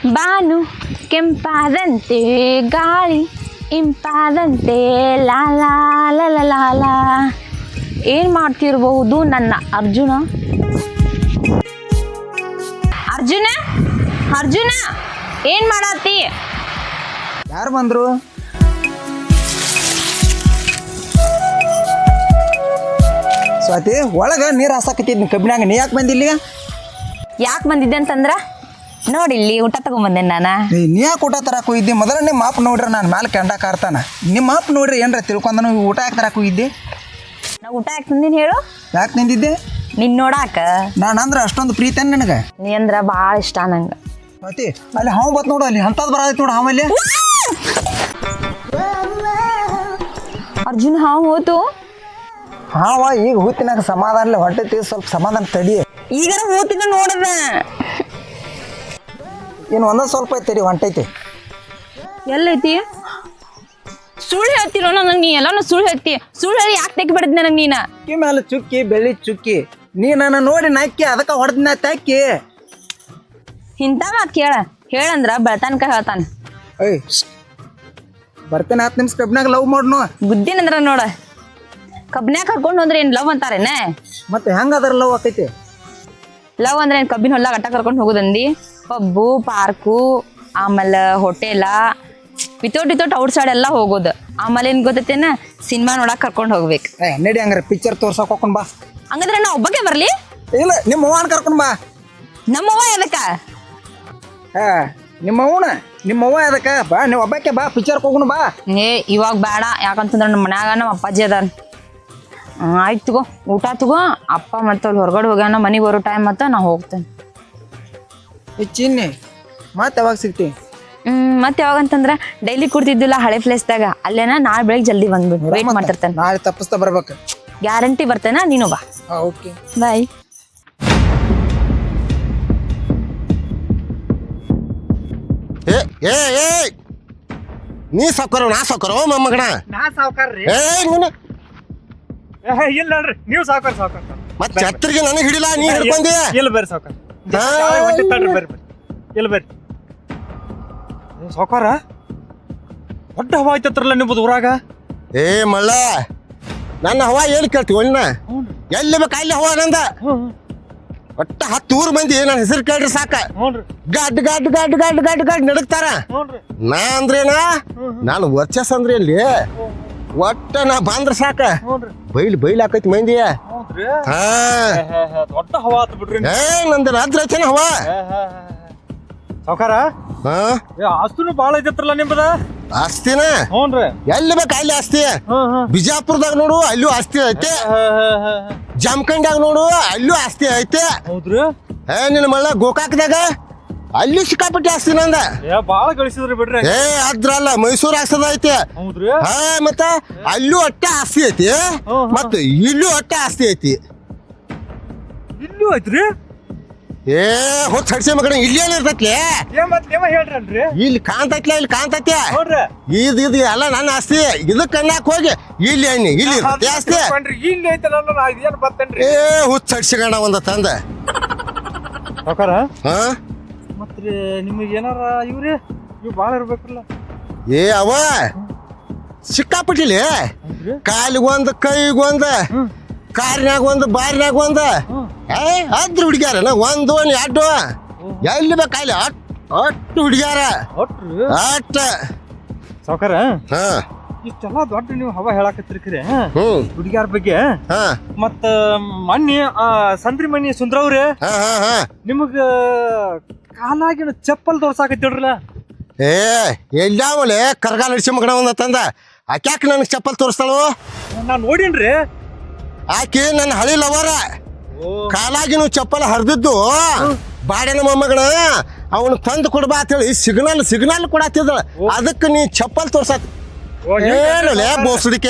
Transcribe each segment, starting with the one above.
ಬಾನು ಕೆಂಪಾದಂತೆ ಗಾಳಿ ಇಂಪಾದಂತೆ ಲಾಲಾ ಲಲ ಏನು ಮಾಡ್ತಿರ್ಬಹುದು ನನ್ನ ಅರ್ಜುನ ಅರ್ಜುನ ಅರ್ಜುನ ಏನು ಮಾಡತ್ತಿ? ಯಾರು ಬಂದ್ರು? ಸ್ವಾತಿ ಒಳಗ ನೀರು ಹಾಸಾಕತ್ತಿದ್ನಿ ಕಬ್ಬಿನಾಗ. ನೀ ಯಾಕೆ ಬಂದಿಲ್ಲ? ಯಾಕೆ ಬಂದಿದ್ದೆ ಅಂತಂದ್ರ ನೋಡಿಲ್ಲಿ ಊಟ ತಗೊಂಬಂದೆ ನಾನು. ನೀ ಯಾಕೆ ಊಟ ತರಕ್ಕೆ ಹೋಗಿದ್ದೆ? ಮೊದಲ ನಿಮ್ಮ ಮಾಪ್ ನೋಡ್ರಿ ನಾನು ಮ್ಯಾಲೆ ಕೆಂಡಾಕ ಆಡ್ತಾನ. ನಿಮ್ಮ ಮಾಪ್ ನೋಡ್ರಿ ಏನ್ರ ತಿಳ್ಕೊಂಡನು ಊಟ ಯಾಕೆ ತರಕ್ಕೆ ಹೋಗಿದ್ದೆ? ನಾ ಊಟ ಯಾಕೆ ತಂದಿನಿ ಹೇಳು? ಯಾಕೆ ನಿಂದಿದ್ದೆ? ನಿನ್ ನೋಡಾಕ. ನಾನು ಅಂದ್ರೆ ಅಷ್ಟೊಂದು ಪ್ರೀತಿ ನನಗೆ. ನೀ ಅಂದ್ರ ಭಾಳ ಇಷ್ಟ ನಂಗೆ. ಸ್ವಾತಿ ಅಲ್ಲಿ ಹಾವು ಬತ್ ನೋಡು, ಅಲ್ಲಿ ಅಂಥದ್ದು ಬರತೈತಿ ನೋಡು ಹಾವಲ್ಲಿ. ಅರ್ಜುನ್ ಹಾವು ಹೋತು. ಹಾವ ಈಗ ಹೂತಿನಾಗ ಸಮಾಧಾನ ಹೊಟ್ಟೆ ಸ್ವಲ್ಪ ಸಮಾಧಾನ ತಡಿ. ಈಗ ಹೋತಿನ ನೋಡದ ಇನ್ನು ಒಂದೊಂದು ಸ್ವಲ್ಪ ಐತಿ ಹೊಂಟೈತಿ. ಎಲ್ಲೈತಿ? ಸುಳ್ಳು ಹೇಳ್ತಿರೋ ನನಗೆ. ನೀ ಎಲ್ಲಾನು ಸುಳ್ಳು ಹೇಳ್ತಿ. ಸುಳ್ಳು ಹೇಳಿ ಯಾಕೆ ತೆಗಿ ಬಿಡದ್ ನನಗೆ ನೀನ? ಚುಕ್ಕಿ ಮೇಲೆ ಚುಕ್ಕಿ ಬೆಳ್ಳಿ ಚುಕ್ಕಿ. ನೀ ನನ್ನ ನೋಡಿ ನಾಕಿ ಅದಕ್ಕೆ ಹೊಡೆದ್ನ ತಾಕಿ. ಇಂಥ ಮಾತು ಹೇಳಂದ್ರ ಬೆಳತಾನಕ ಹೇಳ್ತಾನ. ಏಯ್ ಬರ್ತೇನೆ 10 ನಿಮಿಷ ಕಬ್ಬಿನಾಗ ಲವ್ ಮಾಡ್ನು. ಗುದ್ದಿನಂದ್ರ ನೋಡ ಕಬ್ಬಿನ್ಯಾಗ ಕರ್ಕೊಂಡು ಹೋದ್ರೆ ಏನು ಲವ್ ಅಂತಾರೇನ? ಮತ್ತೆ ಹೆಂಗದ್ರ ಲವ್ ಆಕೈತಿ? ಲವ್ ಅಂದ್ರೆ ಏನು ಕಬ್ಬಿನ ಹೊಲ ಗಟ್ಟ ಕರ್ಕೊಂಡು ಹೋಗೋದಂದಿ? ಪಬ್ಬು ಪಾರ್ಕು ಆಮೇಲೆ ಹೋಟೆಲ ವಿತೌಟ್ ಔಟ್ ಸೈಡ್ ಎಲ್ಲ ಹೋಗೋದು. ಆಮೇಲೆ ಏನು ಗೊತ್ತೈತೇನ ಸಿನಿಮಾ ನೋಡಕ್ ಕರ್ಕೊಂಡು ಹೋಗ್ಬೇಕು. ನಡಿ ಹಂಗಾರೆ ಪಿಕ್ಚರ್ ತೋರ್ಸಕ್ ಹೋಗ್ಕೊಂಡ್ ಬಾ. ಹಂಗಂದ್ರೆ ನಾ ಒಬ್ಬಕ್ಕೆ ಬರ್ಲಿ? ಇಲ್ಲ ನಿಮ್ಮ ಅವ್ವನ ಕರ್ಕೊಂಡ್ ಬಾ. ನಮ್ಮವ್ವ ಎದಕ್ಕ? ನಿಮ್ಮವ್ವ ಅದಕ್ಕ ಬಾ. ನೀವು ಒಬ್ಬಕ್ಕೆ ಬಾ ಪಿಕ್ಚರ್ ಹೋಗೋಣ ಬಾ. ಇವಾಗ ಬೇಡ, ಯಾಕಂತಂದ್ರೆ ನಮ್ಮ ಮನ್ಯಾಗ ನಮ್ಮ ಅಪ್ಪಾಜಿ ಅದಾನ. ಆಯ್ತು ತಗೋ ಊಟ ತಗೋ. ಅಪ್ಪ ಮತ್ತೆ ಅಲ್ಲಿ ಹೊರಗಡೆ ಹೋಗ್ಯಾನ, ಮನೆಗೆ ಬರೋ ಟೈಮ್ ಮತ್ತೆ ನಾ ಹೋಗ್ತೇನೆ. ಚಿನ್ನಿ ಮತ್ತೆ ಯಾವಾಗ ಸಿಗ್ತಿ? ಮತ್ತೆ ಯಾವಾಗಂತಂದ್ರೆ ಡೈಲಿ ಕುಡ್ತಿದ್ದಿಲ್ಲ ಹಳೆ ಪ್ಲೇಸ್ದಾಗ, ಅಲ್ಲೇನ ನಾಳೆ ಬೆಳಗ್ಗೆ ಜಲ್ದಿ ಬಂದ್ಬಿಡು. ವೇಟ್ ಮಾಡ್ತಿರ್ತೇನೆ. ನಾಳೆ ತಪ್ಪಿಸ್ತಾ ಬರ್ಬೇಕು. ಗ್ಯಾರಂಟಿ ಬರ್ತೇನ, ನೀನು ಬಾ. Okay bye. ನೀ ಸಾವ್ಕಾರ ನಾ ಸಾವ್ಕಾರ ಮೊಮ್ಮಗಣ. ನಾ ಸಾವ್ಕಾರ್ರಿ. ಇಲ್ಲ ನೋಡ್ರಿ ನೀವು ಸಾವ್ಕಾರ ಮತ್ತೆ ಛತ್ರಿಗೆ ನನಗೆ ಹಿಡಿಲ್ಲ, ನೀ ಹಿಡ್ಕೊಂಡಿ. ಇಲ್ಲ ಬರ್ರಿ ಸಾವ್ಕಾರ. ಬರ್ರಿ ಇಲ್ಲ ಬರ್ರಿ ಸಾವ್ಕಾರ. ದೊಡ್ಡ ಹವಾ ಐತತ್ರಲ್ಲ ನಿಮ್ಮದು ಊರಾಗ. ಮಳ್ಳ ನನ್ನ ಹವಾ ಏನು ಕೇಳ್ತೀವಿ ಒಣ್ಣ? ಎಲ್ಲಿ ಬೇಕು ಅಲ್ಲಿ ಹವಾ ನಂದ. ಒಟ್ಟ 10 ಊರು ಮಂದಿ ನನ್ನ ಹೆಸರು ಕೇಳ್ರಿ ಸಾಕ. ಗಡ್ ಗಡ್ ಗಡ್ ಗಡ್ ಗಡ್ ಗಡ್ ನಡಕ್ತಾರ. ನಾ ಅಂದ್ರೇನ ನಾನು ವರ್ಚಸ್ ಅಂದ್ರೆ ಎಲ್ಲಿ ಒಟ್ಟ ನಾ ಬಂದ್ರ ಸಾಕ ಬೈಲ್ ಹಾಕೈತಿ ಮಂದಿ. ದೊಡ್ಡ ಹವಾ ಆತ ಬಿಡ್ರಿ. ನಂದು ರಾತ್ರಿ ಐತೇನ ಹವಾ ಸಾವ್ಕಾರ. ಆಸ್ತಿನೂ ಬಾಳ ಐತತ್ರಲ್ಲ ನಿಮ್ಮದ. ಆಸ್ತಿನ ಎಲ್ಲಿ ಬೇಕು ಅಲ್ಲಿ ಆಸ್ತಿ. ಬಿಜಾಪುರದಾಗ ನೋಡು ಅಲ್ಲೂ ಆಸ್ತಿ ಐತೆ. ಜಮಖಂಡ್ಯಾಗ ನೋಡು ಅಲ್ಲೂ ಆಸ್ತಿ ಐತೆ. ಹೌದ್ರಿ? ನಿನ್ನ ಮಳ್ಳ ಗೋಕಾಕ್ದಾಗ ಅಲ್ಲಿ ಸಿಕ್ಕಾಪಟ್ಟಿ ಆಸ್ತಿ ನಂದ. ಬಾಳ ಗಳಿಸಿದ್ರಿ ಬಿಡ್ರಿ. ಅದ್ರಲ್ಲ ಮೈಸೂರು ಆಸ್ತದ ಐತೆ. ಹೌದ್ರಿ? ಮತ್ತ ಅಲ್ಲೂ ಅಟ್ಟೆ ಆಸ್ತಿ ಐತಿ, ಮತ್ತ ಇಲ್ಲೂ ಅಟ್ಟೆ ಆಸ್ತಿ ಐತಿ. ಇಲ್ಲೂ ಐತ್ರಿ? ಹೊತ್ತು ಹಡ್ಸಿ ಮಗನ ಇಲ್ಲಿ ಏನಿರ್ತೈತ್ಲಿ? ಹೇಳ್ರಿ. ಇಲ್ಲಿ ಕಾಂತೈತ್ಲ, ಇಲ್ಲಿ ಕಾಂತೈತಿ. ಇದು ಎಲ್ಲ ನನ್ನ ಆಸ್ತಿ. ಇದಕ್ಕೆ ಕಣ್ಣಾಕ್ ಹೋಗಿ ಇಲ್ಲಿ ಎಣ್ಣಿ ಇಲ್ಲಿ ಇರ್ತೈತಿ ಆಸ್ತಿ. ಹುಚ್ಚ ಹಡ್ಸಿಗಣ ಒಂದ ತಂದ ಮತ್ರಿ ನಿಮಗೆ ಏನಾರ ಇವ್ರಿ ಇವ್ ಬಾಳ ಇರ್ಬೇಕಲ್ಲ. ಅವ ಸಿಕ್ಕಾಪಟ್ಟಿಲಿ ಕಾಲಿಗೊಂದು ಕೈಗೊಂದು ಕಾರ್ನ್ಯಾಗ ಒಂದು ಬಾರಿನಾಗ ಒಂದು ಅದ್ರ ಹುಡುಗ್ಯಾರ ಒಂದು ಎರಡು ಎಲ್ಲಿ ಬೇಕಲ್ಲಿ ಅಟ್ಟು ಹುಡುಗ್ಯಾರ ಅಟ್ಟ ಸಾವ್ಕಾರ. ಇಷ್ಟೆಲ್ಲ ದೊಡ್ಡ ನೀವು ಹವಾ ಹೇಳಾಕತ್ತಿರ್ತೀರಿ ಹುಡುಗ್ಯಾರ ಬಗ್ಗೆ. ಮತ್ತ ಮಣ್ಣಿ ಸಂದ್ರಿ ಮಣ್ಣಿ ಸುಂದ್ರವ್ರಿ ನಿಮಗ ಕಾಲಾಗಿನ ಚಪ್ಪಲ್ ತೋರ್ಸಾಕತ್ತಿಡ್ರಲ್ಲ. ಎಲ್ಲಾವಲೆ ಕರ್ಗಾಲ ಹಿಡ್ಸಿ ಮಗನ ಒಂದ ತಂದ. ಆಕ್ಯಾಕ ನನಗೆ ಚಪ್ಪಲ್ ತೋರಿಸ್ತಾಳು? ನಾನ್ ನೋಡೀನ್ರಿ. ಆಕಿ ನನ್ನ ಹಳಿ ಲವರ. ಕಾಲಾಗಿನ ಚಪ್ಪಲ್ ಹರಿದಿದ್ದು ಬಾಡಿನ ಮೊಮ್ಮಗನ ಅವನು ತಂದು ಕೊಡ್ಬಾ ಅಂತ ಹೇಳಿ ಸಿಗ್ನಲ್ ಕೊಡತ್ತಿದ್ದ. ಅದಕ್ಕೆ ನೀ ಚಪ್ಪಲ್ ತೋರ್ಸಾತ ಹೇಳಲೇ ಬೋಸಡಿಕೆ.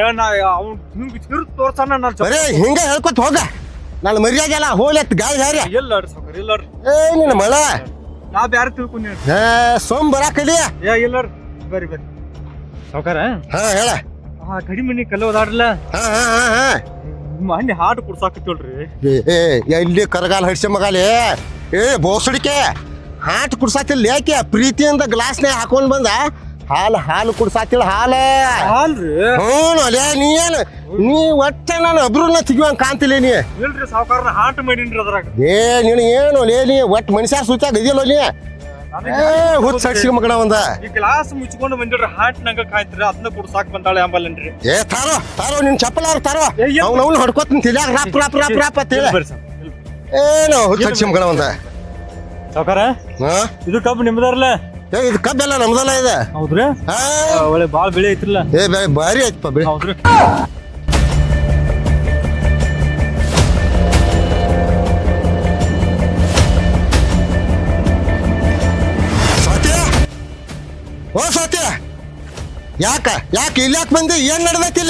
ಬರೇ ಹಿಂಗ ಹೇಳ್ಕೊತ ಹೋಗ. ನಾನು ಮರ್ಯಾದೆಲ್ಲ ಹೋಗ್ಲತ್ ಗಾಳಿ ಹಾರಿ. ನಿನ್ನ ಮಳ ನಾ ಬ್ಯಾರ ತಿಳ್ಕೊಂಡಿ. ಸೋಮ್ ಬರಾಕಲಿ. ಬರ್ರಿ ಸಾವ್ಕಾರ. ಹೇಳ. ಕಡಿಮೆ ಕಲ್ಲು ಓದಾಡ್ರಲ್ಲ. ಮಣ್ಣಿ ಹಾಡು ಕುಡ್ಸಾಕತ್ತೇಳ್ರಿ. ಎಲ್ಲಿ ಕರಗಾಲ ಹಡ್ಸಿ ಮಗಾಲಿ. ಬೋಸಡಿಕೆ ಹಾಟ್ ಕುಡ್ಸಾತಿಲ್ಲ ಯಾಕೆ ಪ್ರೀತಿಯಿಂದ ಗ್ಲಾಸ್ನ್ಯಾಗ ಹಾಕೊಂಡ್ ಬಂದ ಹಾಲು ಕುಡ್ಸಾತಿಲ್ಲ ಹಾಲ ಅಲ್ರಿ ಹ್ಞೂ ಅಲ್ಲೇ ನೀ ಒಟ್ಟ ನಾನು ಅಬ್ರನ್ನ ತೆಗಿವಂಗ ಕಾಣ್ತಿಲ್ಲ ನೀ ಇಲ್ರಿ ಸಾವುಕಾರನ ಹಾಟ್ ಮಾಡೀನ್ರಿ ಅದ್ರಾಗ ನೀನು ಏನು ನೀ ಒಟ್ಟು ಮನುಷ್ಯ ಸೂಚಾಗ ಇದೆಯಲ್ಲ ನೀ ಹುಚ್ಚ ಸಡ್ಸಿಗೆ ಮಗನ ಒಂದ ಈ ಗ್ಲಾಸ್ ಮುಚ್ಕೊಂಡು ಬಂದಿಡ್ರಿ ಹಾಟ್ ನಂಗ ಕಾಯ್ತಿರಿ ಅದನ್ನ ಕುಡ್ಸಾಕ್ ಬಂದಾಳೆ ಅಂಬಲ್ಲನ್ರಿ ತಾರೋ ನಿನ್ ಚಪ್ಪಲಾರ ತಾರೋ ಅವ್ನು ಹೊಡ್ಕೋತೀನಿ ತಿಳ್ಯಾಗ ರಾಪ್ ರಾಪ್ ರಾಪ್ ರಾಪ್ ಅಂತ ಹೇಳಿ ಬರ್ರಿ ಏನು ಹುಚ್ಚ ಸಡ್ಸಿ ಮಗನ ಒಂದ ಸಾವುಕಾರ ಇದು ಕಬ್ಬು ನಿಮ್ದಾರಲ್ಲ ಇದು ಕಬ್ಬೆಲ್ಲ ನಮ್ದಲ್ಲ ಇದೆ ಹೌದ್ರಿ ಒಳ್ಳೆ ಬಾಳ್ ಬೆಳೆ ಐತ್ರಲ್ಲ ಭಾರಿ ಆಯ್ತಪ್ಪ ಬೆಳೆ ಹೌದ್ರಿ ಓ ಸತ್ಯ ಯಾಕ ಇಲ್ಲಿ ಯಾಕೆ ಬಂದಿ ಏನ್ ನಡ್ದೈತಿಲ್ಲ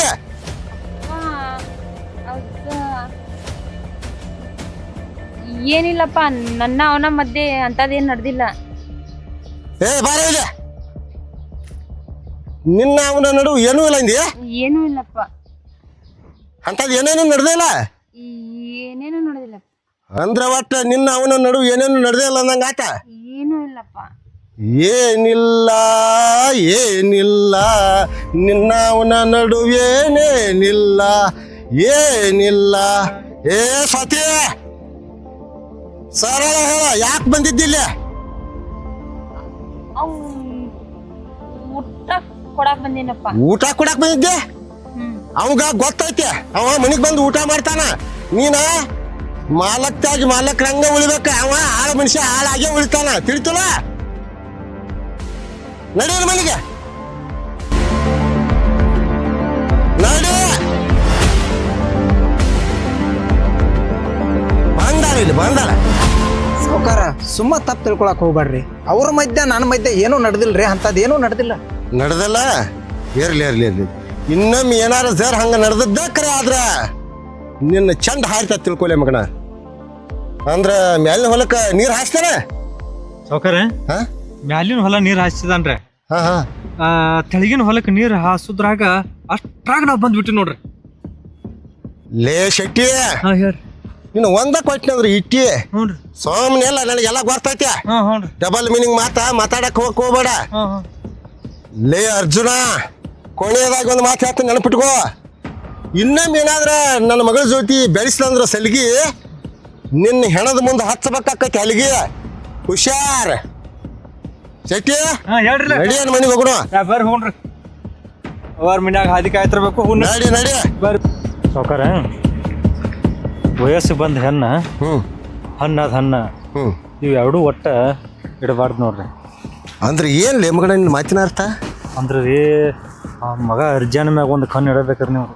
ಏನಿಲ್ಲಪ್ಪ ನನ್ನ ಅವನ ಮಧ್ಯೆ ಅಂತದೇನ್ ನಡೆದಿಲ್ಲ. ಏ ಬಾರ ಇಲ್ಲ ನಿನ್ನ ಅವನ ನಡುವು ಏನೂ ಇಲ್ಲ ಅಂದಿ ಏನೂ ಇಲ್ಲಪ್ಪ. ಅಂತದ್ ಏನೇನು ನಡೆದಿಲ್ಲ ಏನೇನು ನಡೆದಿಲ್ಲ ಅಂದ್ರ ಒಟ್ಟ ನಿನ್ನ ಅವನ ನಡುವು ಏನೇನು ನಡೆದಿಲ್ಲ ಅಂದಂಗ ಆತ ಏನೂ ಇಲ್ಲಪ್ಪ. ಏನಿಲ್ಲ ನಿನ್ನ ಅವನ ನಡುವೇನೇನಿಲ್ಲ ಏನಿಲ್ಲ ಏ ಸತ್ಯ ಸರಳ ಹೇಳ ಯಾಕೆ ಬಂದಿದ್ದಿಲ್ಲ ಊಟ ಕೊಡಾಕ್ ಬಂದೇನಪ್ಪ. ಊಟ ಕೊಡಕ್ ಬಂದಿದ್ದೆ ಅವಂಗ ಗೊತ್ತೈತೆ ಅವ ಮನಿಗ್ ಬಂದು ಊಟ ಮಾಡ್ತಾನ ನೀನ ಮಾಲಕ್ತಾಗಿ ಮಾಲಕ್ರಂಗ ಉಳಿಬೇಕ ಅವ ಆಳ ಮನುಷ್ಯ ಹಾಳಾಗೆ ಉಳಿತಾನ ತಿಳಿತಲ್ಲ ನಡೀನ ಮನೆಗೆ ನಡಿ ಬಂದಾರ ಇಲ್ಲಿ ಬಂದಾರ ಸಾವುಕಾರ ಸುಮ್ಮ ತಪ್ಪು ತಿಳ್ಕೊಳಕ್ ಹೋಗ್ಬೇಡ್ರಿ. ಅವ್ರ ಮಧ್ಯೆ ನನ್ನ ಮಧ್ಯೆ ಏನೂ ನಡೆದಿಲ್ರಿ, ಅಂಥದ್ದೇನೂ ನಡೆದಿಲ್ಲ. ನಡೆದಲ್ಲ ಇರ್ಲಿ ಇನ್ನೊಮ್ಮೆ ಏನಾರ ಸರ್ ಹಂಗ ನಡೆದದ್ದ ಕರೆ ಆದ್ರ ನಿನ್ನ ಚಂದ ಹಾರಿತ ತಿಳ್ಕೊಲೆ ಮಗನ. ಅಂದ್ರ ಮ್ಯಾಲಿನ ಹೊಲಕ್ಕ ನೀರ್ ಹಾಸ್ತಾರ ಸಾವುಕಾರ ಮ್ಯಾಲಿನ ಹೊಲ ನೀರ್ ಹಾಸಿದಾನ್ರಿ, ತೆಳಗಿನ ಹೊಲಕ್ಕೆ ನೀರ್ ಹಾಸುದ್ರಾಗ ಅಷ್ಟ್ರಾಗ ನಾವ್ ಬಂದ್ಬಿಟ್ಟಿ ನೋಡ್ರಿ. ಲೇ ಶೆಟ್ಟಿ ಹೇಳ್ರಿ ಇನ್ನು ಒಂದ ಕೊಟ್ಟಿನಂದ್ರ ಇಟ್ಟಿ ಹ್ಞೂನ್ರಿ ಸೋಮನೆ ಎಲ್ಲ ನನಗೆಲ್ಲ ಗೊತ್ತೈತೆ. ಹ್ಞೂನ್ರಿ ಡಬಲ್ ಮೀನಿಂಗ್ ಮಾತಾಡಕ್ ಹೋಗ್ಬೇಡ. ಲೇ ಅರ್ಜುನ ಕೊನೆಯದಾಗಿ ಒಂದು ಮಾತು ಹೇಳ್ತೀನಿ ನೆನಪಿಟ್ಕೋ. ಇನ್ನೊಮ್ಮೆ ಏನಾದ್ರ ನನ್ನ ಮಗಳ ಜೊತೆ ಬೆಳೆಸಿದಂದ್ರ ಸಲಿಗಿ ನಿನ್ನ ಹೆಣದ ಮುಂದೆ ಹಚ್ಚಬೇಕಾಕೈತಿ ಅಲ್ಲಿಗೆ ಹುಷಾರ್. ಶೆಟ್ಟಿ ಹೇಳ್ರಿ ನಡಿ ಅನ್ ಮನೆಗೆ ಹೋಗೋಣ. ಬರ್ರಿ ಹ್ಞೂನ್ರಿ ಅವ್ರ ಮನ್ಯಾಗ ಹಾದಿ ಕಾಯ್ತಿರ್ಬೇಕು. ನಡಿ ಬರ್ರಿ ಸಾವುಕಾರ ವಯಸ್ಸು ಬಂದ ಹೆಣ್ಣ ಹಣ್ಣದ ಹಣ್ಣ ಇವು ಎರಡೂ ಒಟ್ಟ ಇಡಬಾರ್ದು ನೋಡ್ರಿ. ಅಂದ್ರೆ ಏನ್ ಲೇ ಮಗನ ನಿನ್ನ ಮಾತಿನ ಅರ್ಥ? ಅಂದ್ರೆ ರೀ ಆ ಮಗ ಅರ್ಜಾನ ಮ್ಯಾಗ ಒಂದು ಕಣ್ಣು ಇಡಬೇಕ್ರಿ ನೀವು.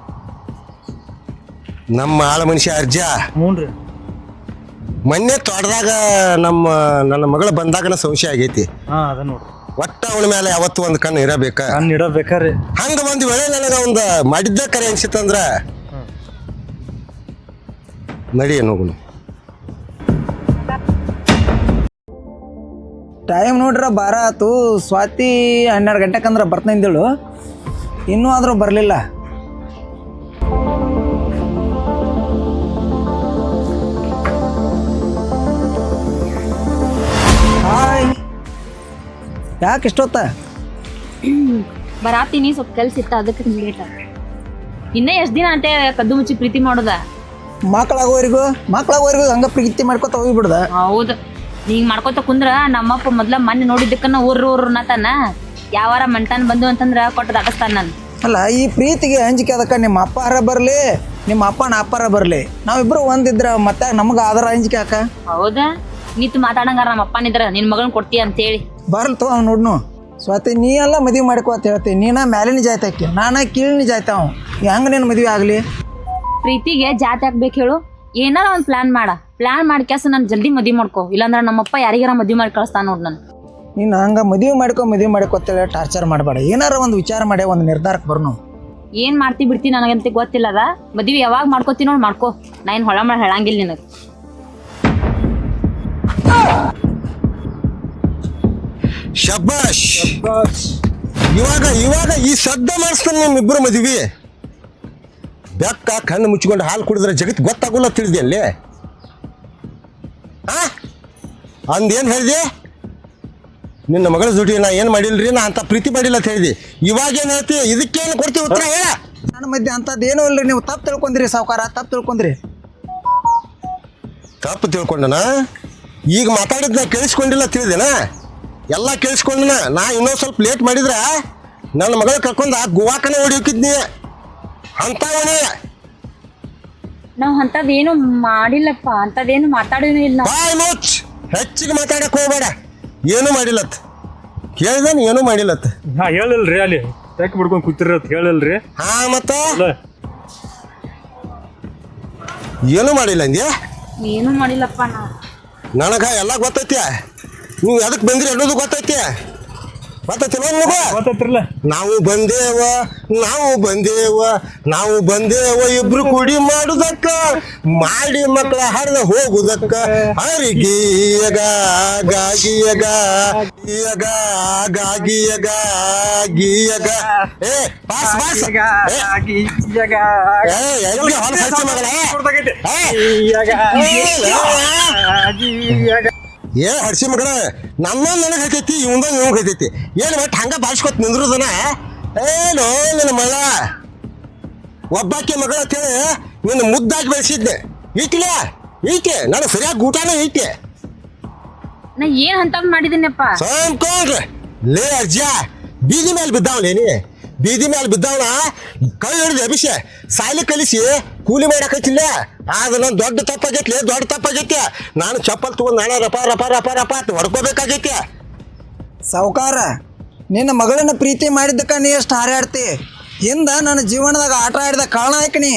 ನಮ್ಮ ಆಳ ಮನುಷ್ಯ ಅರ್ಜ ಹ್ಞೂನ್ರಿ ಮೊನ್ನೆ ತೋಟದಾಗ ನನ್ನ ಮಗಳು ಬಂದಾಗನ ಸಂಶಯ ಆಗೈತಿ. ಅದ ನೋಡ್ರಿ ಒಟ್ಟ ಅವಳ ಮೇಲೆ ಯಾವತ್ತು ಒಂದು ಕಣ್ಣು ಇರಬೇಕ. ಕಣ್ಣು ಇಡಬೇಕ್ರಿ. ಹಂಗ ಒಂದು ವೇಳೆ ನನಗ ಒಂದು ಮಾಡಿದ್ದ ಕರೆ ಅನ್ಸಿತ್ತಂದ್ರ ನಡಿ ಹೋಗುನು. ಟೈಮ್ ನೋಡ್ರ ಬಾರ ಆತು. ಸ್ವಾತಿ 12 ಗಂಟೆಕಂದ್ರೆ ಬರ್ತಂದೇಳು, ಇನ್ನೂ ಆದರೂ ಬರಲಿಲ್ಲ. ಹಾಯ್, ಯಾಕೆ ಇಷ್ಟೊತ್ತ? ಬರಾತೀನಿ ಸ್ವಲ್ಪ ಕೆಲ್ಸ ಇತ್ತ ಅದಕ್ಕೆ ಲೇಟ್ ಆಗ. ಇನ್ನೇ ಎಷ್ಟು ದಿನ ಅಂತ ಕದ್ದು ಮುಚ್ಚಿ ಪ್ರೀತಿ ಮಾಡೋದ? ಮಕ್ಕಳಾಗೋವರೆಗೂ ಹಂಗ ಪ್ರೀತಿ ಮಾಡ್ಕೊತ ಹೋಗಿಬಿಡ್ದ. ಹೌದು, ಹಿಂಗ್ ಮಾಡ್ಕೊತ ಕುಂದ್ರ ನಮ್ಮಪ್ಪ ಮೊದ್ಲ ಮೊನ್ನೆ ನೋಡಿದ್ದಕ್ಕನ್ನ ಊರು ನತಾನ ಯಾವಾರ ಮಂಟಾನ್ ಬಂದು ಅಂತಂದ್ರ ಕೊಟ್ಟು ದಾಟಸ್ತಾನ ನಾನು. ಅಲ್ಲ, ಈ ಪ್ರೀತಿಗೆ ಅಂಜಿಕೆ ಅದಕ್ಕೆ ನಿಮ್ಮ ಅಪ್ಪಾರ ಬರಲಿ, ನಿಮ್ಮ ಅಪ್ಪನ ಅಪ್ಪಾರ ಬರಲಿ, ನಾವಿಬ್ರು ಒಂದಿದ್ರ ಮತ್ತೆ ನಮ್ಗೆ ಅದರ ಅಂಜಿಕೆ ಹಾಕ. ಹೌದಾ, ನೀತು ಮಾತಾಡಂಗಾರ ನಮ್ಮ ಅಪ್ಪನಿದ್ರ ನಿನ್ ಮಗನ್ ಕೊಡ್ತೀಯ ಅಂತೇಳಿ ಬರಲ್ ತೋ ಅವ್ನು ನೋಡ್ನು. ಸ್ವಾತಿ ನೀ ಎಲ್ಲ ಮದುವೆ ಮಾಡ್ಕೋ ಅಂತ ಹೇಳ್ತೀನಿ. ನೀನ ಮ್ಯಾಲಿನ ಜಾಯ್ತಾಕಿ, ನಾನ ಕೀಳಿನ ಜಾಯ್ತ. ಅವ್ ಹೆಂಗ ನೀನು ಮದುವೆ ಆಗಲಿ? ಪ್ರೀತಿಗೆ ಜಾತಿ ಹಾಕ್ಬೇಕು ಹೇಳು. ಏನಾರ ಒಂದು ಪ್ಲಾನ್ ಮಾಡಿ ಕೆಸ ನಾನು ಜಲ್ದಿ ಮದುವೆ ಮಾಡ್ಕೊ, ಇಲ್ಲಾಂದ್ರೆ ನಮ್ಮಪ್ಪ ಯಾರಿಗಾರ ಮದುವೆ ಮಾಡಿ ಕಳಿಸ್ತಾನ ನೋಡ್ ನಾನು. ನೀನು ಹಂಗೆ ಮದುವೆ ಮಾಡ್ಕೊ ಅಂತೇಳಿ ಟಾರ್ಚರ್ ಮಾಡಬೇಡ. ಏನಾರ ಒಂದು ವಿಚಾರ ಮಾಡಿ ಒಂದು ನಿರ್ಧಾರಕ್ಕೆ ಬರ್ನು. ಏನ್ ಮಾಡ್ತಿ ಬಿಡ್ತಿ ನನಗಂತ ಗೊತ್ತಿಲ್ಲ. ಅದ ಮದುವೆ ಯಾವಾಗ ಮಾಡ್ಕೋತಿ ನೋಡಿ ಮಾಡ್ಕೊ, ನಾ ಏನು ಹೊಳ ಮಾಡಿ ಹೇಳಂಗಿಲ್ಲ ನಿನಗೆ. ಶಬ್ಬಾಷ್. ಇವಾಗ ಈ ಶಬ್ದ ಮಾಡಿಸ್ತಾನೆ ನಿಮ್ಮಿಬ್ಬರು ಮದುವೆ. ಬೆಕ್ಕ ಕಣ್ಣು ಮುಚ್ಚಿಕೊಂಡು ಹಾಲು ಕುಡಿದ್ರೆ ಜಗತ್ತು ಗೊತ್ತಾಗೋಲ್ಲ ತಿಳಿದೆ ಅಲ್ಲಿ. ಅಂದೇನು ಹೇಳಿದೆ? ನಿನ್ನ ಮಗಳ ಜೋಡಿ ನಾ ಏನು ಮಾಡಿಲ್ರಿ, ನಾ ಅಂತ ಪ್ರೀತಿ ಮಾಡಿಲ್ಲ ಅಂತ ಹೇಳಿದಿ. ಇವಾಗ ಏನು ಹೇಳ್ತಿ? ಇದಕ್ಕೇನು ಕೊಡ್ತೀವಿ ಉತ್ತರ ಹೇಳ. ನನ್ನ ಮಧ್ಯೆ ಅಂಥದ್ದು ಏನೂ ಇಲ್ರಿ, ನೀವು ತಪ್ಪು ತಿಳ್ಕೊಂಡ್ರಿ ಸಾವುಕಾರ, ತಪ್ಪು ತಿಳ್ಕೊಂಡ್ರಿ. ತಪ್ಪು ತಿಳ್ಕೊಂಡನ? ಈಗ ಮಾತಾಡಿದ್ ನಾ ಕೇಳಿಸ್ಕೊಂಡಿಲ್ಲ ತಿಳಿದೇನ? ಎಲ್ಲ ಕೇಳಿಸ್ಕೊಂಡನ. ನಾ ಇನ್ನೊಂದು ಸ್ವಲ್ಪ ಲೇಟ್ ಮಾಡಿದ್ರೆ ನನ್ನ ಮಗಳ ಕರ್ಕೊಂಡ ಗೋವಾಕನ ಓಡಿ ಹೋಗಿದ್ನಿ ಅಂತವನೇ. ನಾವ್ ಅಂತದೇನು ಮಾಡಿಲ್ಲಪ್ಪ, ಅಂತದೇನು ಮಾತಾಡಿನೂ ಇಲ್ಲ ನಾವು. ಬಾಯ್ ಮುಚ್ಚ್, ಹೆಚ್ಚಿಗೆ ಮಾತಾಡಕ್ ಹೋಗ್ಬೇಡ. ಏನೂ ಮಾಡಿಲ್ಲತ್ ಕೇಳಿದಾನ, ಏನೂ ಮಾಡಿಲ್ಲತ್. ನಾ ಹೇಳಿಲ್ರಿ ಅಲ್ಲಿ ಯಾಕೆ ಬಿಡ್ಕೊಂಡು ಕೂತಿರತ್ ಹೇಳಿಲ್ರಿ. ಹಾ ಮತ್ತ ಏನೂ ಮಾಡಿಲ್ಲ ಅಂದ್ಯ? ಏನು ಮಾಡಿಲ್ಲಪ್ಪ ನಾ. ನನಗ ಎಲ್ಲ ಗೊತ್ತೈತಿ. ನೀವು ಎದಕ್ಕೆ ಬಂದ್ರಿ ಅನ್ನೋದು ಗೊತ್ತೈತಿ. ಗೊತ್ತೈತಿ ನಿಮಗ? ಗೊತ್ತೈತ್ರಲ್ಲ. ನಾವು ಬಂದೇವ ಇಬ್ರು ಕುಡಿ ಮಾಡುದಕ್ಕ, ಮಾಡಿ ಮಕ್ಕಳ ಹರಿದ ಹೋಗುದಕ್ಕ. ಹರಿಗೀಯಗ ಗಾಗಿಯಗ ಗೀಯಗ ಗಾಗಿಯಗ ಗೀಯಗ. ಏ ಪಾಸ್ ಪಾಸ್. ಏ ಹಡ್ಸಿ ಮಗನ, ನಮ್ಮ ನನಗೆ ಹತ್ತೈತಿ, ಇವಂದ ಇವಂಗ ಹತ್ತೈತಿ. ಏನು ಬಟ್ ಹಂಗ ಬಾಳ್ಸ್ಕೊತ ನಿಂದ್ರದನ. ಏನೋ ನಿನ್ನ ಮಳ ಒಬ್ಬಾಕಿ ಮಗಳ ಅಂತೇಳಿ ನಿನ್ನ ಮುದ್ದಾಗಿ ಬೆಳೆಸಿದ್ನೆ. ಈಕೆ ನಾನು ಸರಿಯಾಗಿ ಊಟನೂ ಈಕೆ ನಾ ಏನ್ ಅಂತ ಮಾಡಿದೀನಪ್ಪ? ಸಂಕೊಂಡ್ರೆ ಲೇ ಅಜ್ಜ, ಬೀದಿ ಮೇಲೆ ಬಿದ್ದಾವಲೇನಿ. ಬೀದಿ ಮೇಲೆ ಬಿದ್ದವನ ಕೈ ಹಿಡಿದು ಅಭಿಷೇ ಸಾಲಿ ಕಲಿಸಿ ಕೂಲಿ ಮಾಡಕತ್ತಿಲ್ಲ. ಆದ್ರೆ ನಾನು ದೊಡ್ಡ ತಪ್ಪಾಗೈತಿ. ನಾನು ಚಪ್ಪಲ್ ತಗೊಂಡು ನಾಳೆ ರಪ ರಪ ರಪ ರಪ ಅಂತ ಹೊಡ್ಕೋಬೇಕಾಗೈತಿ. ಸಾವುಕಾರ, ನಿನ್ನ ಮಗಳನ್ನ ಪ್ರೀತಿ ಮಾಡಿದ್ದಕ್ಕ ನೀ ಎಷ್ಟು ಹಾರಾಡ್ತಿ. ಹಿಂದ ನನ್ನ ಜೀವನದಾಗ ಆಟ ಆಡಿದ ಕಾರಣ ಆಯ್ಕನಿ.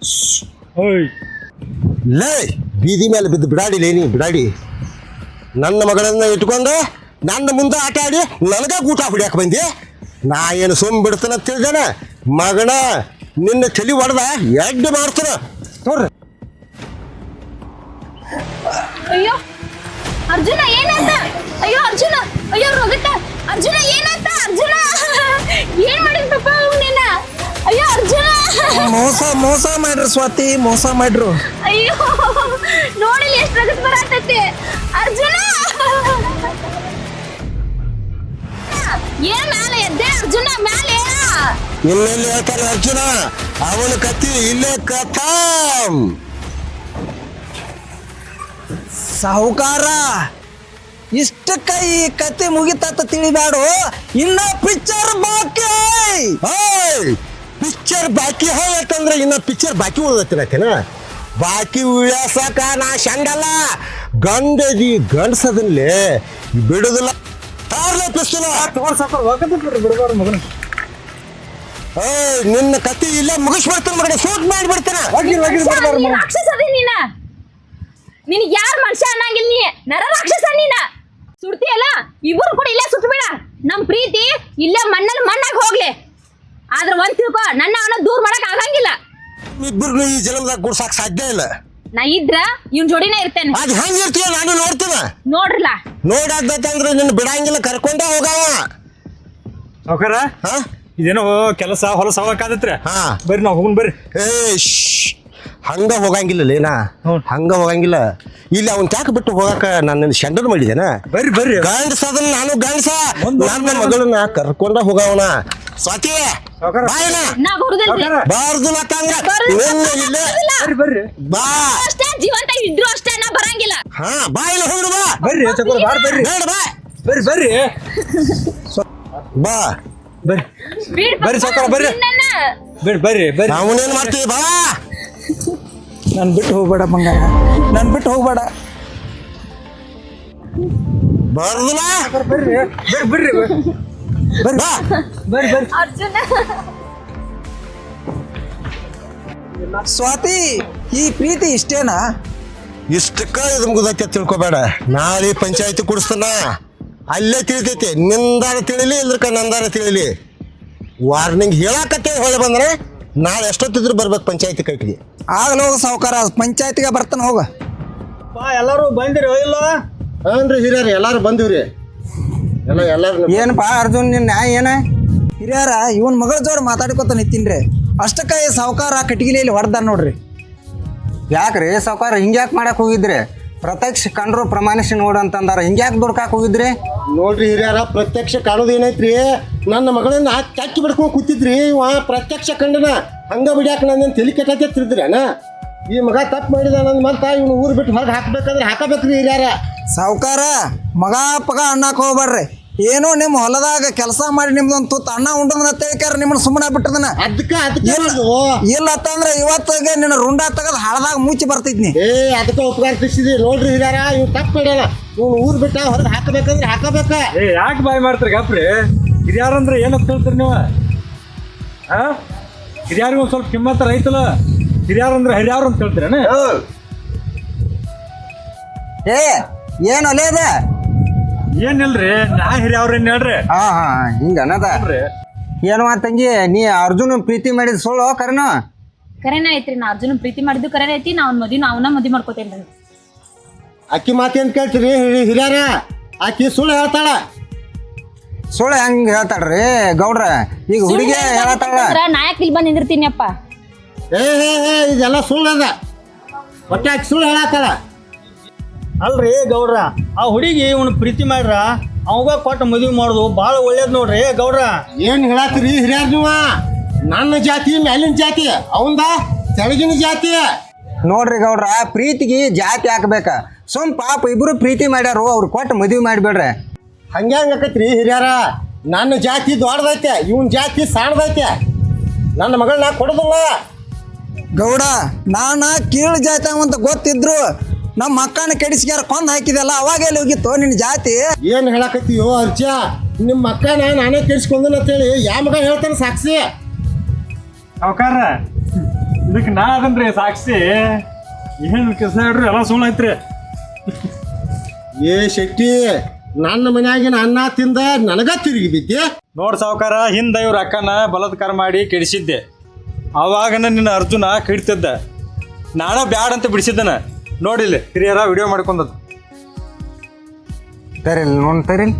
ಲೇ ಬೀದಿ ಮೇಲೆ ಬಿದ್ದು ಬಿಡಾಡಿ ನನ್ನ ಮಗಳನ್ನ ಇಟ್ಕೊಂಡು ನನ್ನ ಮುಂದೆ ಆಟ ಆಡಿ ನನಗ ಊಟ ಹೊಡ್ಯಾಕ ಬಂದಿ. ನಾ ಏನು ಸುಮ್ ಬಿಡ್ತಾನ ತಿಳಿದಾನ ಮಗನ, ನಿನ್ನ ತಲೆ ಹೊಡೆದ ಎಡ್ಡು ಮಾಡ್ತಾನ ನೋಡ್ರಿ. ಅಯ್ಯೋ ಅರ್ಜುನ ಏನಾಯ್ತ? ಅಯ್ಯೋ ಅರ್ಜುನ, ಅಯ್ಯೋ ರೋಹಿತ, ಅರ್ಜುನ ಏನಾಯ್ತ? ಅರ್ಜುನ ಏನ್ ಮಾಡಿದ್ರಪ್ಪ ಅವನೇನ? ಅಯ್ಯೋ ಅರ್ಜುನ, ಮೋಸ ಮಾಡ್ರಿ ಸ್ವಾತಿ, ಮೋಸ ಮಾಡ್ರು. ಅಯ್ಯೋ ನೋಡಿಲ್ಲ ಎಷ್ಟು ರಗತ್ ಬರತೈತಿ. ಅರ್ಜುನ ಏನ್ ಮ್ಯಾಲೆ ಎದ್ದೆ? ಅರ್ಜುನ ಮ್ಯಾಲೆ ಇನ್ನೆಲ್ಲಿ ಹೇಳ್ತಾನೆ ಅರ್ಜುನ, ಅವನ ಕತ್ತಿ ಇಲ್ಲೇ ಕಥಾಂ. ಸಾಹುಕಾರ, ಇಷ್ಟಕ್ಕ ಈ ಕತೆ ಮುಗಿತ ತಿಳಿಬ್ಯಾಡು, ಇನ್ನ ಪಿಕ್ಚರ್ ಬಾಕಿ. ಪಿಕ್ಚರ್ ಬಾಕಿ ಅಂತಂದ್ರೆ ಇನ್ನ ಪಿಕ್ಚರ್ ಬಾಕಿ ಉಳ್ದತ್ತಿನ ಬಾಕಿ ಉಳ್ಯಾಸಕ ನಾ ಶಂಡಲ್ಲ. ಗಂಡಸದನ್ಲೇ ಬಿಡುದಿಲ್ಲ. ನಿನ್ನ ಕತ್ತಿ ಇಲ್ಲ ಮುಗಿಸ್ಬಿಡ್ತಾನೆ ಮಗನ, ಶೂಟ್ ಮಾಡಿಬಿಡ್ತಾನೆ. ರಾಕ್ಷಸ ಅದಿ ನೀನ. ನಿನಗೆ ಯಾರು ಮನುಷ್ಯ ಅನ್ನಂಗಿಲ್ಲ, ನೀ ನರ ರಾಕ್ಷಸ ನೀನ. ಸುಡ್ತಿಯಲ್ಲ, ಇಬ್ಬರು ಕೂಡ ಇಲ್ಲೇ ಸುಟ್ಬೇಡ. ನಮ್ ಪ್ರೀತಿ ಇಲ್ಲೇ ಮಣ್ಣಲ್ಲಿ ಮಣ್ಣಾಗ ಹೋಗ್ಲಿ. ಆದ್ರೆ ಒಂದ್ ತಿಳ್ಕೊ, ನನ್ನ ಅವನ ದೂರ ಮಾಡಕ್ ಆಗಂಗಿಲ್ಲ. ಇಬ್ಬರು ಈ ಜನ್ಮದಾಗ ಗುಡ್ಸಾಕ್ ಸಾಧ್ಯ ಇಲ್ಲ. ನಾ ಇದ್ರ ಇವ್ನ ಜೋಡಿನ ಇರ್ತೇನೆ. ಅದ್ ಹೆಂಗಿರ್ತೀಯ ನಾನು ನೋಡ್ತೀನ. ನೋಡ್ರಲ್ಲ, ನೋಡಾದಂದ್ರೆ ನಿನ್ನ ಬಿಡಂಗಿಲ್ಲ, ಕರ್ಕೊಂಡ ಹೋಗವ. ಸಾವ್ಕಾರ ಇದೇನೋ ಕೆಲಸ ಹೊಲಸ ಹೋಗಕ್ಕಾದತ್ರಿ. ಬರ್ರಿ ನಾವು ಹೋಗುನ್ ಬರ್ರಿ. ಹಂಗ ಹೋಗಂಗಿಲ್ಲ ಹಂಗ ಹೋಗಂಗಿಲ್ಲ. ಇಲ್ಲಿ ಅವನ್ ತ್ಯಾಕ ಬಿಟ್ಟು ಹೋಗಾಕ ನಾನು ಶಂಡನ್ ಮಾಡಿದ್ದೇನ. ಬರ್ರಿ ಗಂಡಸ ಅದನ್ನ ನಾನು ಗಂಡಸ, ನನ್ನ ಮಗಳನ್ನ ಕರ್ಕೊಂಡ ಹೋಗವನ. ಸ್ವಾತಿ ನಾ ಬರುದಿಲ್ರಿ. ಬಾರ್ದು ಬರ್ರಿ ಬಾ. ಅಷ್ಟೇ ಜೀವಂತ ಇದ್ರು ಅಷ್ಟೇ, ನಾ ಬರಂಗಿಲ್ಲ. ಹಾ ಬಾ, ಇಲ್ಲ ಹೋಗ್ರು ಬಾ. ಬರ್ರಿ ಬರ್ರಿ ಬೇಡ ಬಾ. ಬರ್ರಿ ಬಾ ಬರ್ರಿ ಸಾವ್ಕಾರ ಬರ್ರಿ. ಬರ್ರಿ ಅವನೇನ್ ಮಾಡ್ತೀವಿ ಬಾ. ನನ್ ಬಿಟ್ಟು ಹೋಗ್ಬೇಡ ಬಂಗಾರ, ನನ್ ಬಿಟ್ಟು ಹೋಗ್ಬೇಡ. ಬರ್ದಲ್ಲ ಬರ್ರಿ ಅರ್ಜುನ ಸ್ವಾತಿ, ಈ ಪ್ರೀತಿ ಇಷ್ಟೇನಾ? ಇಷ್ಟಕ್ಕ ಇದು ಮುಗ್ದೈತೆ ತಿಳ್ಕೊಬೇಡ. ನಾಳೆ ಪಂಚಾಯತಿ ಕುಡಿಸ್ತಾನ, ಅಲ್ಲೇ ತಿಳಿತೈತಿ. ನಿಂದಾರ ತಿಳಿಲಿ, ಇಲ್ರಕ ನಂದಾರ ತಿಳಿಲಿ. ವಾರ್ನಿಂಗ್ ಹೇಳಾಕತ್ತೇ ಹೊಳೆ ಬಂದ್ರೆ ನಾಳೆ ಎಷ್ಟೊತ್ತಿದ್ರು ಬರ್ಬೇಕು ಪಂಚಾಯತಿ ಕಟ್ಟಿಗೆ. ಆಗ್ಲ ಹೋಗ ಸಾವುಕಾರ, ಪಂಚಾಯತಿಗೆ ಬರ್ತಾನೆ ಹೋಗ. ಎಲ್ಲಾರು ಬಂದಿರಿ ಇಲ್ಲ? ಹಾನ್ರಿ ಹಿರಿಯರು ಎಲ್ಲಾರು ಬಂದಿವ್ರಿ. ಎಲ್ಲಾರು ಏನಪ್ಪಾ ಅರ್ಜುನ್, ನಿನ್ನ ನ್ಯಾಯ ಏನ? ಹಿರಿಯರ ಇವನ್ ಮಗಳ ಜೋಡಿ ಮಾತಾಡ್ಕೊತ ನಿಂತೀನ್ರಿ. ಅಷ್ಟಕ್ಕ ಈ ಸಾವುಕಾರ ಕಟ್ಟಿಗೆಲಿ ಹೊಡೆದ ನೋಡ್ರಿ. ಯಾಕ್ರಿ ಸಾವುಕಾರ ಹಿಂಗ್ಯಾಕೆ ಮಾಡಕ್ ಹೋಗಿದ್ರಿ? ಪ್ರತ್ಯಕ್ಷ ಕಂಡ್ರು ಪ್ರಮಾಣಿಸಿ ನೋಡು ಅಂತಂದಾರ ಹಿಂಗ್ಯಾಕೆ ದುಡ್ಕಾಕ್ ಹೋಗಿದ್ರಿ? ನೋಡ್ರಿ ಹಿರಿಯರ, ಪ್ರತ್ಯಕ್ಷ ಕಾಣೋದು ಏನೈತ್ರಿ, ನನ್ನ ಮಗಳನ್ನ ಚಕ್ಕಿ ಬಿಡ್ಕೊಂಡು ಕೂತಿದ್ರಿ. ಇವ ಪ್ರತ್ಯಕ್ಷ ಕಂಡನ ಹಂಗ ಬಿಡ್ಯಾಕ ನನ್ನ ತಲೆ ಕೆಟ್ಟಿದ್ರಿ ಅಣ್ಣ. ಈ ಮಗ ತಪ್ಪು ಮಾಡಿದ ನನ್ನ ಮಂತ ಇವ್ನು ಊರು ಬಿಟ್ಟು ಹೊರಗೆ ಹಾಕ್ಬೇಕಂದ್ರೆ ಹಾಕಬೇಕ್ರಿ ಹಿರಿಯರ. ಸಾವ್ಕಾರ ಮಗ ಪಗ ಅನ್ನಕ್ಕೆ ಹೋಗ್ಬಾರ್ರಿ. ಏನೋ ನಿಮ್ಮ ಹೊಲದಾಗ ಕೆಲಸ ಮಾಡಿ ನಿಮ್ದೊಂದು ತುತ್ತು ಅನ್ನ ಉಂಡದನ್ನ ತಿಳ್ಕ್ಯಾರ ನಿಮ್ಮನ್ನ ಸುಮ್ಮನೆ ಬಿಟ್ಟದನ. ಅದಕ್ಕೆ ಇಲ್ಲ ಅಂತಂದ್ರೆ ಇವತ್ತಿಗೆ ನಿನ್ನ ರುಂಡ ತೆಗೆದು ಹಳದಾಗ ಮುಚ್ಚಿ ಬರ್ತಿದ್ನಿ. ಅದಕ್ಕೆ ಉಪಕಾರ ತಿರ್ಸಿದ್ರಿ. ನೋಡ್ರಿ ಹಿರಿಯರ, ಇವ್ ತಪ್ಪು ಮಾಡ್ಯಾನ. ಇವ್ನು ಊರು ಬಿಟ್ಟ ಹೊರಗೆ ಹಾಕಬೇಕಂದ್ರೆ ಹಾಕಬೇಕ. ಯಾಕೆ ಬಾಯ್ ಮಾಡ್ತೀರಿ ಗಪ್ರಿ? ಹಿರಿಯಾರಂದ್ರೆ ಏನಂತ ಹೇಳ್ತೀರಿ ನೀವು? ಹಿರಿಯಾರಿಗೆ ಒಂದು ಸ್ವಲ್ಪ ಕಿಮ್ಮತ್ತ ರೈತಲ್ಲ. ಹಿರಿಯಾರಂದ್ರೆ ಹಿರಿಯಾರು ಅಂತ ಹೇಳ್ತೀರೇನ? ಏನು ಅಲ್ಲೇ ಅದ? ಏನಿಲ್ರಿ, ನಾ ಹಿರಿಯವ್ರೇನ್ ಹೇಳ್ರಿ. ಹಿಂಗ ಅನ್ನದ. ಏನು ತಂಗಿ, ನೀ ಅರ್ಜುನ ಪ್ರೀತಿ ಮಾಡಿದ ಸುಳ್ಳು ಕರೆನ? ಕರೆನ ಐತ್ರಿ, ನಾ ಅರ್ಜುನ ಪ್ರೀತಿ ಮಾಡಿದ್ದು ಕರೆನ ಐತಿ. ನಾ ಅವ್ನ ಮದ್ವಿ ಮಾಡ್ಕೋತೇನ್ರಿ. ಅಕ್ಕಿ ಮಾತೇನ್ ಕೇಳ್ತೀರಿ ಹಿರಿಯರ? ಆಕಿ ಸುಳ್ಳು ಹೇಳ್ತಾಳ. ಸುಳ್ಳು ಹೆಂಗ್ ಹೇಳ್ತಾಳ್ರಿ ಗೌಡ್ರ? ಈಗ ಹುಡುಗಿ ಹೇಳ್ತಾಳ. ನಾ ಯಾಕೆ ಇಲ್ಲಿ ಬಂದು ನಿಂದಿರ್ತೀನಿ ಅಪ್ಪ? ಇದೆಲ್ಲ ಸುಳ್ಳು ಅದ. ಒಟ್ಟೆ ಆಕಿ ಸುಳ್ಳು ಹೇಳತ್ತಾಳ. ಅಲ್ರಿ ಗೌಡ್ರ, ಆ ಹುಡುಗಿ ಇವನು ಪ್ರೀತಿ ಮಾಡ್ರ ಅವಾಗ ಕೊಟ್ಟು ಮದುವೆ ಮಾಡೋದು ಭಾಳ ಒಳ್ಳೇದು ನೋಡ್ರಿ ಗೌಡ್ರ. ಏನ್ ಹೇಳತ್ತೀರಿ ಹಿರಿಯರ್ ನೀವ? ನನ್ನ ಜಾತಿ ಮೇಲಿನ ಜಾತಿ, ಅವಂದ ತೆಳಗಿನ ಜಾತಿ. ನೋಡ್ರಿ ಗೌಡ್ರ, ಪ್ರೀತಿಗೆ ಜಾತಿ ಹಾಕ್ಬೇಕ. ಸುಮ್ ಪಾಪ ಇಬ್ರು ಪ್ರೀತಿ ಮಾಡ್ಯಾರು, ಅವ್ರು ಕೊಟ್ಟು ಮದುವೆ ಮಾಡಿಬಿಡ್ರಿ. ಹಂಗ್ಯಾಂಗ ಆಕತ್ರಿ ಹಿರಿಯರ? ನನ್ನ ಜಾತಿ ದೊಡ್ಡದೈತೆ, ಇವನ್ ಜಾತಿ ಸಣ್ಣದೈತೆ. ನನ್ನ ಮಗಳನ್ನ ಕೊಡೋದಿಲ್ಲ. ಗೌಡ, ನಾನ ಕೀಳು ಜಾತಿ ಅಂತ ಗೊತ್ತಿದ್ರು ನಮ್ಮ ಮಕ್ಕಳನ್ನ ಕೆಡಿಸ್ಕ್ಯಾರ ಕೊಂದ್ ಹಾಕಿದೆಲ್ಲ, ಅವಾಗ ಎಲ್ಲಿ ಹೋಗಿತ್ತು ನಿನ್ನ ಜಾತಿ? ಏನ್ ಹೇಳಕತ್ತೀಯೋ ಅರ್ಜ? ನಿಮ್ಮ ಅಕ್ಕನ ನಾನೇ ಕೆಡಿಸ್ಕೊಂಡನ ಅಂತೇಳಿ ಯಾವ ಮಗ ಹೇಳ್ತಾನೆ ಸಾಕ್ಷಿ? ಅವಕಾರ ಇದಕ್ಕೆ ನಾ ಅದನ್ರಿ ಸಾಕ್ಷಿ. ಏನು ಕೆಲಸ ಹೇಳ್ರಿ, ಎಲ್ಲ ಸುಳ್ಳು ಐತ್ರಿ. ಶೆಟ್ಟಿ, ನನ್ನ ಮನ್ಯಾಗಿನ ಅನ್ನ ತಿಂದ ನನಗ ತಿರುಗಿ ಬಿದ್ದೆ. ನೋಡ್ ಸಾವ್ಕಾರ, ಹಿಂದ ಇವ್ರ ಅಕ್ಕನ ಬಲಾತ್ಕಾರ ಮಾಡಿ ಕೆಡಿಸಿದ್ದೆ. ಅವಾಗನ ನಿನ್ನ ಅರ್ಜುನ ಕಿಡ್ತಿದ್ದ. ನಾನ ಬ್ಯಾಡ ಅಂತ ಬಿಡಿಸಿದ್ದನ. ನೋಡಿಲ್ಲ ಹಿರಿಯರ ವಿಡಿಯೋ ಮಾಡ್ಕೊಂಡದ್ದು. ತರಿಲ್ ತರಿಲ್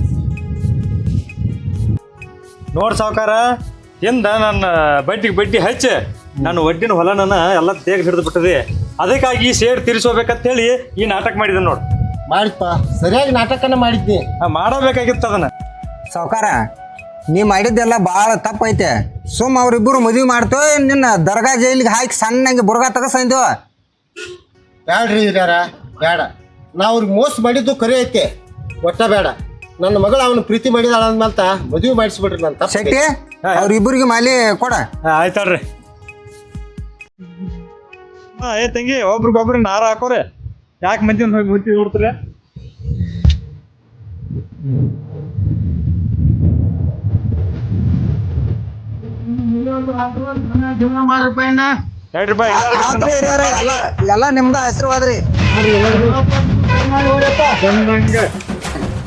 ನೋಡ್ ಸಾವ್ಕಾರ, ಹಿಂದ ನನ್ನ ಬಡ್ಡಿ ಹಚ್ಚಿ ನಾನು ಒಡ್ಡಿನ ಹೊಲನ ಎಲ್ಲ ತೇಗ್ ಹಿಡಿದು ಬಿಟ್ಟದೆ. ಅದಕ್ಕಾಗಿ ಸೇಡ್ ತೀರಿಸೋಬೇಕಂತೇಳಿ ಈ ನಾಟಕ ಮಾಡಿದೆ ನೋಡು. ಮಾಡಿಪ್ಪ, ಸರಿಯಾಗಿ ನಾಟಕನ ಮಾಡಿದ್ನಿ. ಮಾಡಬೇಕಾಗಿತ್ತು ಅದನ್ನ. ಸಾವ್ಕಾರ, ನೀ ಮಾಡಿದ್ದೆಲ್ಲ ಭಾಳ ತಪ್ಪೈತೆ. ಸುಮ್ ಅವ್ರಿಬ್ಬರು ಮದುವೆ ಮಾಡ್ತೋ, ನಿನ್ನ ದರ್ಗಾ ಜೈಲಿಗೆ ಹಾಕಿ ಸಣ್ಣಂಗೆ ಬುರ್ಗಾ ತಗಸಂದೋ. ಬ್ಯಾಡ್ರಿ ಹಿರಿಯರ, ಬೇಡ. ನಾ ಅವ್ರಿಗೆ ಮೋಸ ಮಾಡಿದ್ದು ಕರೆ ಐತೆ, ಒಟ್ಟ ಬೇಡ. ನನ್ನ ಮಗಳು ಅವನು ಪ್ರೀತಿ ಮಾಡಿದಾಳ ಅಂದ್ಮಂತ ಮದುವೆ ಮಾಡಿಸ್ಬಿಡ್ರಿ. ನನ್ನ ತಪ್ಪು. ಶೆಟ್ಟಿ, ಅವ್ರಿಬ್ಬರಿಗೆ ಮಾಲಿ ಕೊಡ. ಆಯ್ತಲ್ರಿ. ತಂಗಿ, ಒಬ್ರಿಗೊಬ್ರು ನಾರ ಹಾಕೋರೆ. ಯಾಕೆ ಮಂದಿ ಹೋಗಿ ಮುತ್ತಿ ಹುಡ್ತಾರೆ? ಎಲ್ಲ ನಿಮ್ದ ಹೆಸರು ಹೋದ್ರಿ.